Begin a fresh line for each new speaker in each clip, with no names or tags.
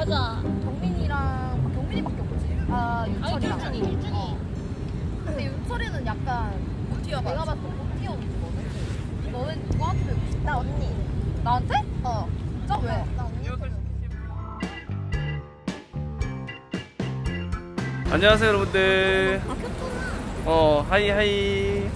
맞아.
경민이밖에 없지. 아 윤철이랑.
아니 둘중이.
근데 윤철이는 약간 내가 봤을 때 못티어거든. 너는 누구한테 배우고 싶어? 나 언니. 나한테? 어. 진짜 왜? 나 언니.
안녕하세요 여러분들. 하이.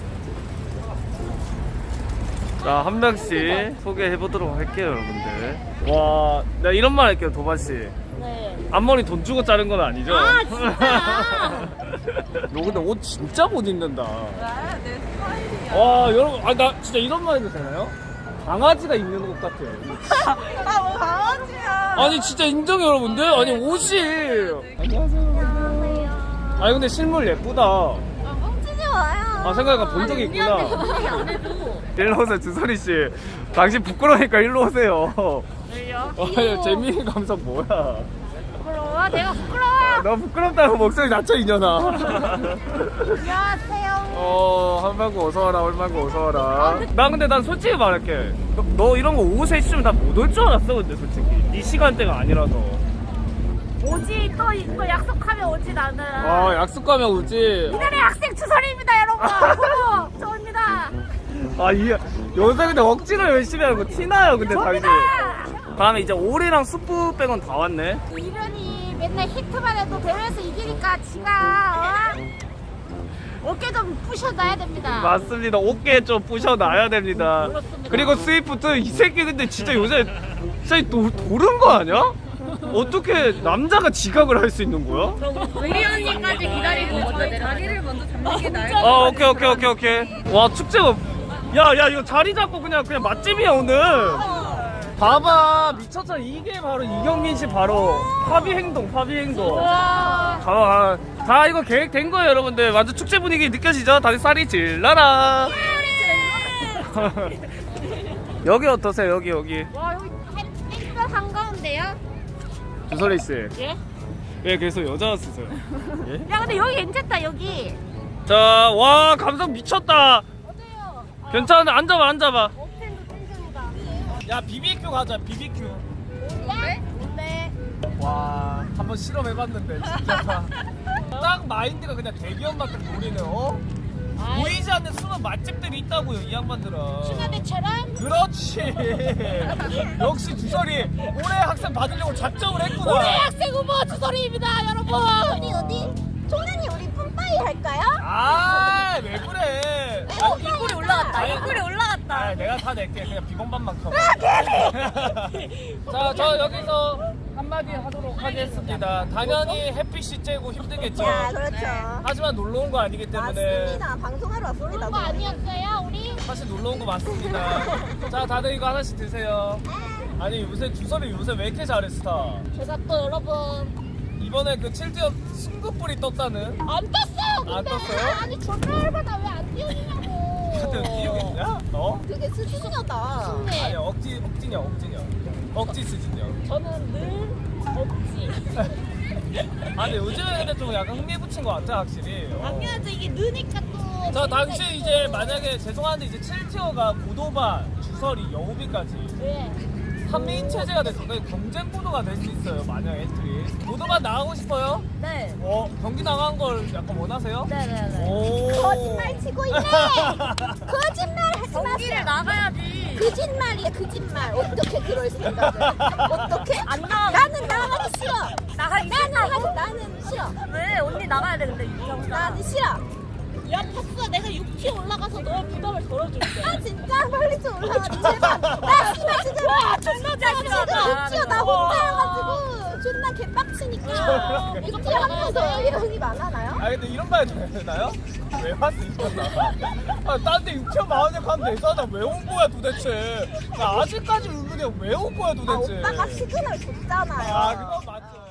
자, 한 명씩 소개해 보도록 할게요 여러분들. 와, 내가 이런 말 할게요 도반 씨.
네.
앞머리 돈 주고 자른 건 아니죠?
아 진짜.
너 근데 옷 진짜 못 입는다.
왜? 내 스타일이야.
와 여러분, 나 진짜 이런 말 해도 되나요? 강아지가 입는 옷 같아요.
나 뭐 강아지야.
아니 진짜 인정해 여러분들. 아니 옷이. 안녕하세요 여러분들. 아니 근데 실물 예쁘다.
뻥치지 마요.
아 생각해보니까 본 적이 있구나. 일로 오세요 주선이 씨. 당신 부끄러우니까 일로 오세요.
왜요?
아, 재민이 감성 뭐야?
부끄러워? 내가 부끄러워.
너 부끄럽다고 목소리 낮춰 이년아.
안녕하세요.
한방구 어서와라, 얼방구 어서와라. 난 솔직히 말할게. 너 이런 거 오후 3시쯤 다 못 올 줄 알았어 근데 솔직히 이 시간대가 아니라서.
오지 또 약속하면 오지 나는.
약속하면 오지.
이달의 학생 주선입니다 여러분. 후보 저입니다.
요새 근데 억지로 열심히 하는 거 티나요 근데 당신.
저입니다.
다음에 이제 오리랑 수프 빼곤 다 왔네.
이련이 맨날 히트만 해도 대회에서 이기니까 지가 어깨 좀 부셔놔야 됩니다.
맞습니다. 어깨 좀 부셔놔야 됩니다.
그렇습니다.
그리고 스위프트 이 새끼 근데 진짜 요새 진짜 도른 거 아니야? 어떻게 남자가 지각을 할 수 있는 거야?
의리 언니까지 기다리고 먼저 내려가.
자기를 먼저 잡는 게 나을
오케이. 와 축제가. 야 이거 자리 잡고 그냥 맛집이야 오늘. 봐봐 미쳤잖아. 이게 바로 이경민 씨 바로 파비 행동. 다 이거 계획된 거예요 여러분들. 완전 축제 분위기 느껴지죠? 다들 쌀이 질러라. 여기 어떠세요? 여기
와 여기 햇빛 한가운데요?
주설이 씨.
예?
왜 계속 여자 쓰세요? 예?
야 근데 여기 괜찮다 여기.
자, 와 감성 미쳤다.
어때요?
괜찮은데 앉아봐.
옥텐도 텐션이다.
야 BBQ 가자 BBQ.
네? 뭔데?
와 한번 실험해봤는데 진짜 딱 마인드가 그냥 대기업만큼 노리는 보이지 않는 수많은 맛집들이 있다고요 이 양반들은.
추가대처럼?
그렇지. 역시 주설이 올해 학생 받으려고 작정을 했구나.
올해 학생 후보 주설이입니다 여러분.
어디? 종현이 우리 뿜빠이 할까요?
왜 그래.
입꼬리 올라갔다.
아니,
입꼬리 올라갔다.
내가 다 낼게. 그냥 비번반만 커버. 자, 저 여기서 한마디 하도록 하겠습니다. 당연히 햇빛이 쬐고 힘들겠죠.
그렇죠.
하지만 놀러 온 거 아니기 때문에.
맞습니다. 방송하러 왔습니다.
그런 거 아니었어요 우리?
사실 놀러 온 거 맞습니다. 자, 다들 이거 하나씩 드세요. 아니 요새 주설이 요새 왜 이렇게 잘해 스타?
제가 또 여러분
이번에 그 7지역 승급불이 떴다는.
안 떴어요 근데.
안 떴어요?
아니 전화해봐다 왜 안 띄우냐고.
다들 띄우겠냐? 너?
되게 수준이다.
네.
아니 억지냐. 억지 수준이야.
저는 늘 없지.
아니 요즘에 근데 좀 약간 흥미 붙인 것 같아 확실히.
당연하죠 이게 느니까 또.
저 당시 이제 만약에 죄송한데 이제 7티어가 고도반, 주설이, 여우비까지
왜?
3인 체제가 돼서 거의 경쟁 구도가 될 수 있어요 만약 엔트리. 고도반 나가고 싶어요?
네.
경기 나간 걸 약간 원하세요?
네네네.
오.
거짓말 치고 있네. 거짓말 하지
경기를
마세요.
나가야지.
거짓말이야 거짓말. 어떻게 그럴 생각을? 어떻게?
안 나가고
나는 나가기 싫어.
나가기
나는 싫어.
왜? 언니 나가야 되는데 유정사.
나는 싫어.
야 파스가 내가 6티 올라가서 너 부담을 덜어줄게.
아 진짜 빨리 좀 올라가. 제발. 나 진짜 진짜.
존나
나 지금 육지어 나 혼자여가지고 존나 개빡치니까. 육지어 하면서 이런이 많아나요?
근데 이런 말 해도 되나요? 왜 왔어 이거 나? 딴데 6천 마흔역 하면 되잖아. 왜 온 거야 도대체? 나 아직까지 의문이야. 왜 온 거야 도대체?
오빠가 시그널 줬잖아요.
그건 맞죠.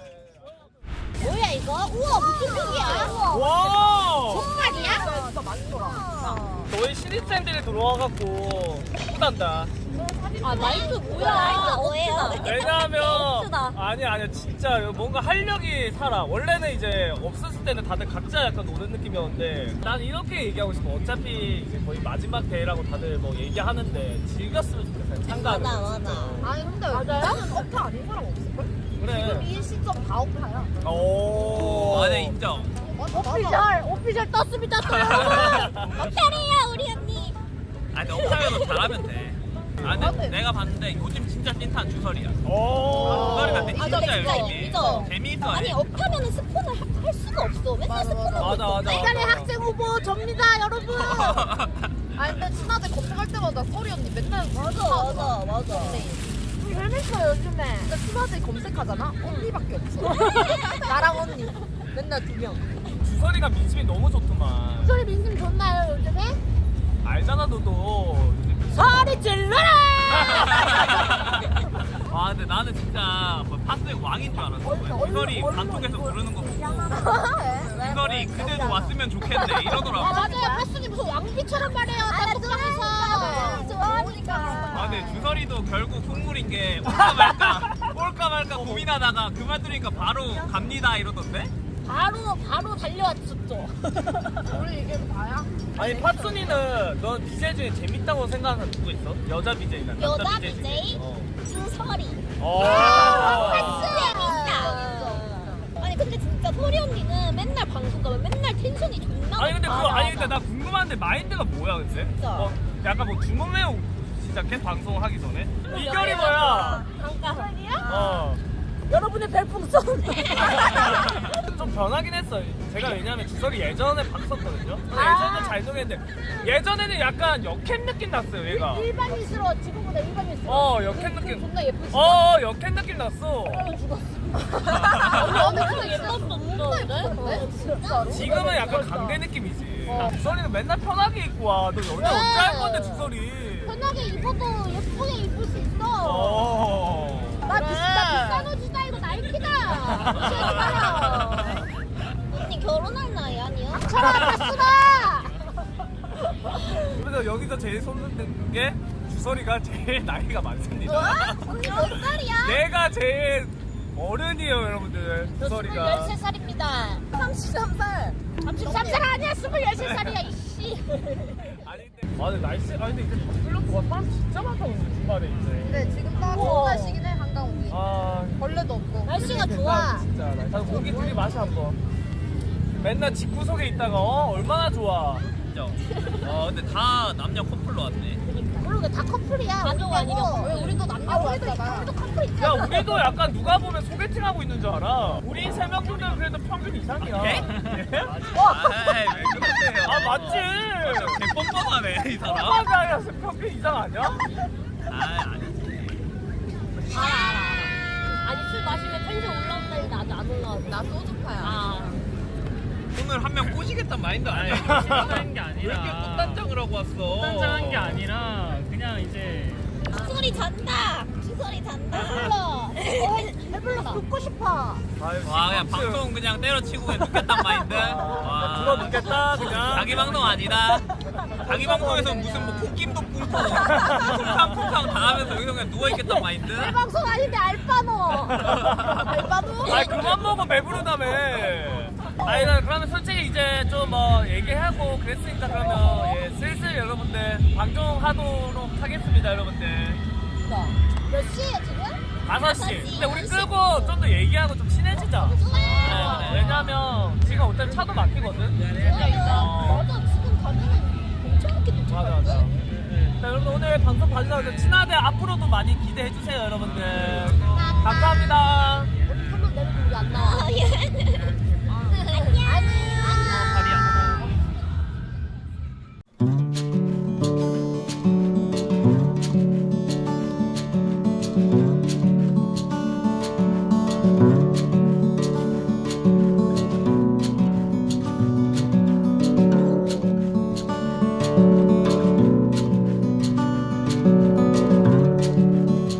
뭐야 이거? 우와 무슨 색이야?
와.
정말이야?
진짜 많더라.
저희 신입생들이 들어와갖고 예쁘단다.
아 나이트 뭐야?
나이트 뭐예요?
왜냐하면
없으다.
아니 진짜 뭔가 활력이 살아. 원래는 이제 없었을 때는 다들 각자 약간 노는 느낌이었는데 난 이렇게 얘기하고 싶어. 어차피 이제 거의 마지막 대회라고 다들 뭐 얘기하는데 즐겼으면 좋겠어요. 참가를.
맞아. 아니 근데 나는 업타 아닌 사람 없을걸?
그래.
일시점 가오파야.
오.
아, 네, 인정.
오피셜 떴습니다 또 여러분. 어때래요 우리 언니?
아, 근데 업타이어도 잘하면 돼. 아, 근데 내가 봤는데 요즘 진짜 찐탄 주설이야.
오.
주설이가 근데
아,
진짜
근데 진짜
열심히.
인정.
재미있어.
아니 업하면은 스폰을 할 수가 없어. 맨날 스폰을
맞아.
이달의 학생 후보 접니다 여러분.
아니 근데 친하대 검색할 때마다 서리 언니 맨날 맞아.
재밌어요 요즘에.
근데 친하대 검색하잖아. 언니밖에 없어. 나랑 언니. 맨날 2명.
주설이가 민심이 너무 좋더만.
소리 민심 좋나요 요즘에?
알잖아 너도.
소리 질러라.
와, 근데 나는 진짜 뭐 파스의 왕인 줄 알았어. 주설이 단톡에서 부르는 거 보고. 주설이 그대도 왔으면 좋겠네 이러더라고.
아 맞아요. 파스님 무슨 왕비처럼 말해요. 단톡방에서.
좋아하니까.
아, 근데 주설이도 결국 콧물인 게 올까 말까 고민하다가 그 말 들으니까 바로 갑니다 이러던데?
바로 달려왔었죠.
우리 이게 다야?
아니 파순이는 넌 BJ 중에 재밌다고 생각하는 누구 있어? 여자 BJ나 남자
여자
BJ 중에?
BJ? 주설이.
재밌다.
아니 근데 진짜 소리 언니는 맨날 방송 가면 맨날 텐션이 존나
아니 근데 그거
높아.
아니 근데 나 궁금한데 마인드가 뭐야 근데?
진짜.
뭐 약간 뭐 주문 외우 시작해 방송하기 전에? 이결이 뭐야?
잠깐.
여러분의 별풍선.
좀 변하긴 했어. 제가 왜냐면 주설이 예전에 봤었거든요. 근데
아.
예전에는 잘 노래했는데 예전에는 약간 역행 느낌 났어요 얘가.
일반인스러워. 지금보다 일반인스러워.
역행 느낌.
존나 예쁘지?
역행 느낌 났어.
언니 근데
예뻤었는데?
진짜로?
지금은 약간 강대 느낌이지. 주설이는 맨날 편하게 입고 와. 너 연애 언제 할 건데 주설이?
편하게 입어도 예쁘게 입을 수 있어. 나 비싼 옷이다 이거 나이키다. 무시하지 마라.
언니 결혼할 나이 아니야?
차라 파스다.
그래서 여기서 제일 손드는 게 주설이가 제일 나이가 많습니다.
언니 몇 살이야?
내가 제일 어른이에요 여러분들. 주설이가.
13살입니다.
33살.
33살 아니야. 23살이야 이씨.
근데 날씨 근데 이제 다 풀렸고 와 사람 진짜 많다 오늘 주말에 이제.
근데 지금 딱 좋은 날씨긴 해 한강 오기. 벌레도 없고.
날씨가 좋아.
진짜. 나 고기 둘이 마시 한번. 맨날 집구석에 있다가 얼마나 좋아.
인정. 근데 다 남녀 커플로 왔네.
그러게 다 커플이야.
가족 아니면
왜 우리도 남녀로 왔잖아.
우리도 커플 있잖아.
야 우리도 약간 누가 보면 소개팅 하고 있는 줄 알아. 우리 세 명 정도는 그래도 평균 이상이야.
예?
예?
아이, 왜 그러세요?
맞지.
개 뻔뻔하네 이 사람.
뻔뻔하게 아니라 평균 이상 아니야?
아니지.
아니 술 마시면 텐션 올라온다는데 아직 안 올라왔어.
나 소주파야.
아.
오늘 한 명 꼬시겠단 마인드 아니야?
하는 게
왜 이렇게
아니라
꽃단장을 하고 왔어?
단장한 게 아니라 그냥 이제
주설이 잔다. 주설이 잔다. 불러.
배불러 듣고 싶어.
와, 그냥 방송 그냥 때려치고 그냥 눕겠단 마인드? 와,
들어 눕겠다 그냥.
자기 방송 아니다. 자기 방송에서 무슨 뭐 콧김도 뿜고 쿵쾅쿵쾅 당하면서 여기서 그냥 누워있겠단 마인드?
내 방송 아닌데 알바노.
알바도?
그만 먹어 배부르다며. 나 그러면 솔직히 이제 좀 뭐 얘기하고 그랬으니까 그러면 슬슬 여러분들 방송하도록 하겠습니다 여러분들.
몇 시에 지금?
5시. 근데 우리 끄고 좀 더 얘기하고 좀 친해지자. 네, 왜냐면 지금 어차피 차도 막히거든.
맞아 지금 가면은 엄청 늦게
맞아.
도착할걸?
자, 여러분 오늘 방송 봐주셔서 친하대 앞으로도 많이 기대해 주세요 여러분들. 감사합니다.